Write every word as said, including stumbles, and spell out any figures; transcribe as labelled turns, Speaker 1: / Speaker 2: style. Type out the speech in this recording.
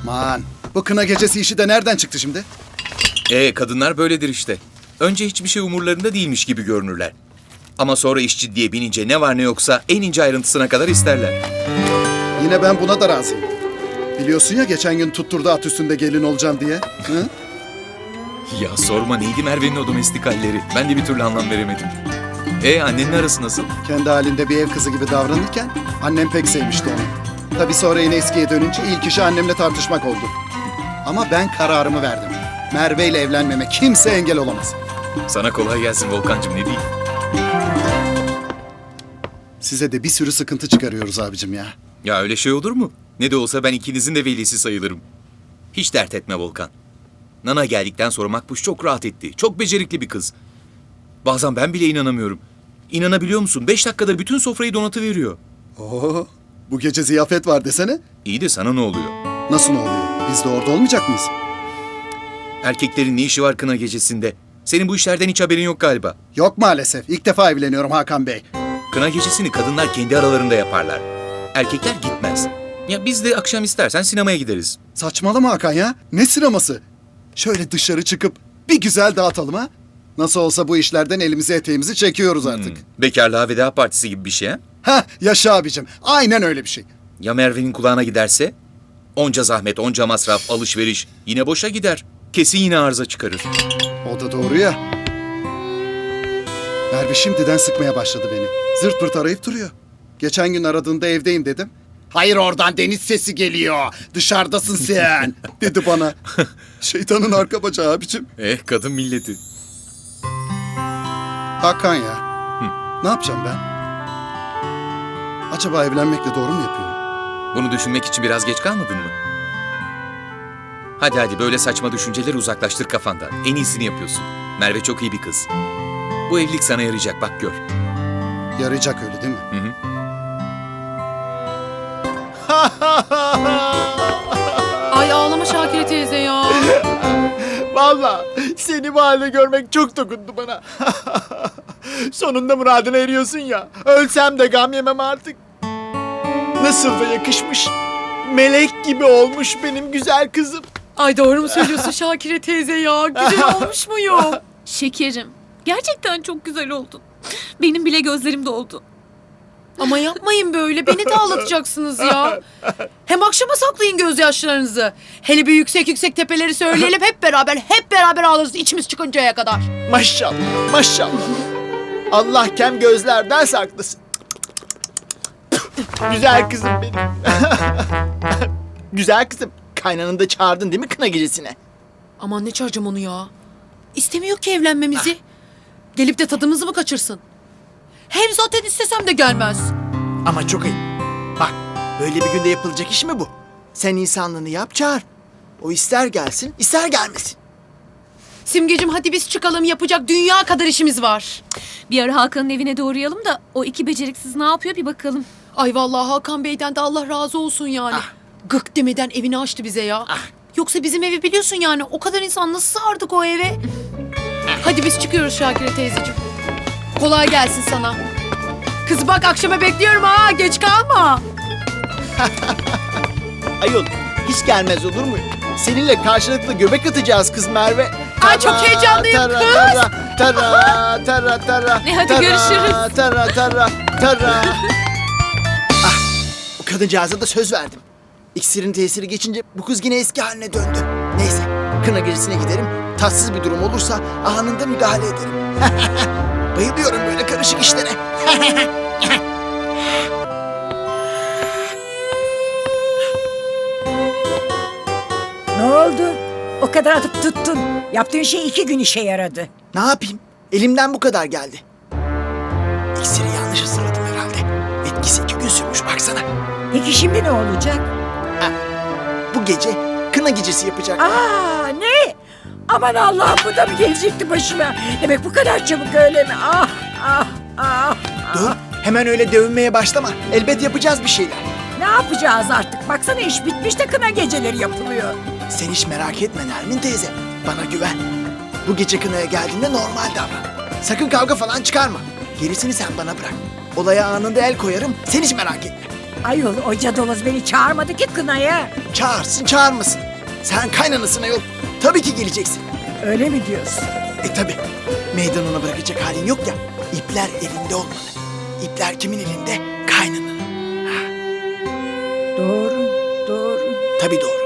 Speaker 1: Man, bu kına gecesi işi de nereden çıktı şimdi?
Speaker 2: Ee kadınlar böyledir işte. Önce hiçbir şey umurlarında değilmiş gibi görünürler. Ama sonra iş ciddiye binince ne var ne yoksa en ince ayrıntısına kadar isterler.
Speaker 1: Yine ben buna da razıyım. Biliyorsun ya geçen gün tutturdu at üstünde gelin olacağım diye. Hı?
Speaker 2: Ya sorma, neydi Merve'nin o domestik halleri? Ben de bir türlü anlam veremedim. Ee annenin arası nasıl?
Speaker 1: Kendi halinde bir ev kızı gibi davranırken annem pek sevmişti onu. Tabii sonra yine eskiye dönünce ilk işi annemle tartışmak oldu. Ama ben kararımı verdim. Merve ile evlenmeme kimse engel olamaz.
Speaker 2: Sana kolay gelsin Volkancığım, ne diyeyim?
Speaker 1: Size de bir sürü sıkıntı çıkarıyoruz abicim ya.
Speaker 2: Ya öyle şey olur mu? Ne de olsa ben ikinizin de velisi sayılırım. Hiç dert etme Volkan. Nana geldikten sonra Makbuş çok rahat etti. Çok becerikli bir kız. Bazen ben bile inanamıyorum. İnanabiliyor musun? Beş dakikada bütün sofrayı donatıveriyor.
Speaker 1: Oo, bu gece ziyafet var desene.
Speaker 2: İyi de sana ne oluyor?
Speaker 1: Nasıl ne oluyor? Biz de orada olmayacak mıyız?
Speaker 2: Erkeklerin ne işi var kına gecesinde? Senin bu işlerden hiç haberin yok galiba.
Speaker 1: Yok maalesef. İlk defa evleniyorum Hakan Bey.
Speaker 2: Kına gecesini kadınlar kendi aralarında yaparlar. Erkekler gitmez. Ya biz de akşam istersen sinemaya gideriz.
Speaker 1: Saçmalama Hakan ya. Ne sineması? Şöyle dışarı çıkıp bir güzel dağıtalım ha. Nasıl olsa bu işlerden elimizi eteğimizi çekiyoruz artık.
Speaker 2: Hmm, bekarlığa veda partisi gibi bir şey ha?
Speaker 1: Ha yaşa abicim. Aynen öyle bir şey.
Speaker 2: Ya Merve'nin kulağına giderse? Onca zahmet, onca masraf, alışveriş yine boşa gider. Kesin yine arıza çıkarır.
Speaker 1: O da doğru ya. Merve şimdiden sıkmaya başladı beni. Zırt pırt arayıp duruyor. Geçen gün aradığında evdeyim dedim. Hayır, oradan deniz sesi geliyor. Dışarıdasın sen dedi bana. Şeytanın arka bacağı abicim.
Speaker 2: Eh kadın milleti.
Speaker 1: Hakan ya. Ne yapacağım ben? Acaba evlenmekle doğru mu yapıyorum?
Speaker 2: Bunu düşünmek için biraz geç kalmadın mı? Hadi hadi böyle saçma düşünceleri uzaklaştır kafandan. En iyisini yapıyorsun. Merve çok iyi bir kız. Bu evlilik sana yarayacak, bak gör.
Speaker 1: Yarayacak öyle değil mi?
Speaker 2: Hı hı.
Speaker 3: Ay ağlama Şakire teyze ya.
Speaker 4: Vallahi seni bu halde görmek çok dokundu bana. Sonunda muradına eriyorsun ya. Ölsem de gam yemem artık. Nasıl da yakışmış. Melek gibi olmuş benim güzel kızım.
Speaker 3: Ay doğru mu söylüyorsun Şakire teyze ya? Güzel olmuş muyum?
Speaker 5: Şekerim, gerçekten çok güzel oldun. Benim bile gözlerim doldu.
Speaker 3: Ama yapmayın böyle. Beni de ağlatacaksınız ya. Hem akşama saklayın gözyaşlarınızı. Hele bir yüksek yüksek tepeleri söyleyelim hep beraber. Hep beraber ağlarız içimiz çıkıncaya kadar.
Speaker 4: Maşallah, maşallah. Allah kem gözlerden saklasın. Güzel kızım benim. Güzel kızım. Kaynanını da çağırdın değil mi kına gecesine?
Speaker 3: Aman ne çağıracağım onu ya. İstemiyor ki evlenmemizi. Gelip de tadımızı mı kaçırsın? Hem zaten istesem de gelmez.
Speaker 4: Ama çok ayıp. Bak, böyle bir günde yapılacak iş mi bu? Sen insanlığını yap, çağır. O ister gelsin, ister gelmesin.
Speaker 3: Simgeciğim hadi biz çıkalım, yapacak dünya kadar işimiz var.
Speaker 5: Bir ara Hakan'ın evine de uğrayalım da o iki beceriksiz ne yapıyor bir bakalım.
Speaker 3: Ay vallahi Hakan Bey'den de Allah razı olsun yani.
Speaker 4: Ah.
Speaker 3: Gık demeden evini açtı bize ya.
Speaker 4: Ah.
Speaker 3: Yoksa bizim evi biliyorsun yani, o kadar insan nasıl sığardık o eve? Hadi biz çıkıyoruz Şakire teyzeciğim. Kolay gelsin sana. Kız bak akşama bekliyorum ha, geç kalma.
Speaker 4: Ayol, hiç gelmez olur mu? Seninle karşılıklı göbek atacağız kız Merve.
Speaker 3: Ay, çok heyecanlıyım
Speaker 4: tara,
Speaker 3: kız.
Speaker 4: Tara, tara, tara, tara.
Speaker 5: E, hadi
Speaker 4: tara,
Speaker 5: görüşürüz.
Speaker 4: Tara, tara, tara. Ah, o kadıncağıza da söz verdim. İksirin tesiri geçince bu kız yine eski haline döndü. Neyse, kına gecesine giderim. Tatsız bir durum olursa anında müdahale ederim. Bayılıyorum böyle karışık işlere.
Speaker 6: Ne oldu? O kadar atıp tuttun. Yaptığın şey iki gün işe yaradı.
Speaker 4: Ne yapayım? Elimden bu kadar geldi. İksiri yanlış ısırladım herhalde. Etkisi iki gün sürmüş baksana.
Speaker 6: Peki şimdi ne olacak?
Speaker 4: Bu gece kına gecesi yapacak.
Speaker 6: Aa ne? Aman Allah'ım, bu da mı gelecekti başıma? Demek bu kadar çabuk öyle mi? Ah ah ah.
Speaker 4: Dur, hemen öyle dövünmeye başlama. Elbet yapacağız bir şeyler.
Speaker 6: Ne yapacağız artık? Baksana iş bitmiş de kına geceleri yapılıyor.
Speaker 4: Sen hiç merak etme Nermin teyze. Bana güven. Bu gece kınaya geldiğinde normal davran. Sakın kavga falan çıkarma. Gerisini sen bana bırak. Olaya anında el koyarım. Sen hiç merak etme.
Speaker 6: Ayol o cadaloz beni çağırmadı ki kınaya.
Speaker 4: Çağırsın çağırmasın. Sen kaynanasına yok. Tabii ki geleceksin.
Speaker 6: Öyle mi diyorsun?
Speaker 4: E tabii. Meydan ona bırakacak halin yok ya. İpler elinde olmalı. İpler kimin elinde? Kaynananın.
Speaker 6: Doğru, doğru.
Speaker 4: Tabii doğru.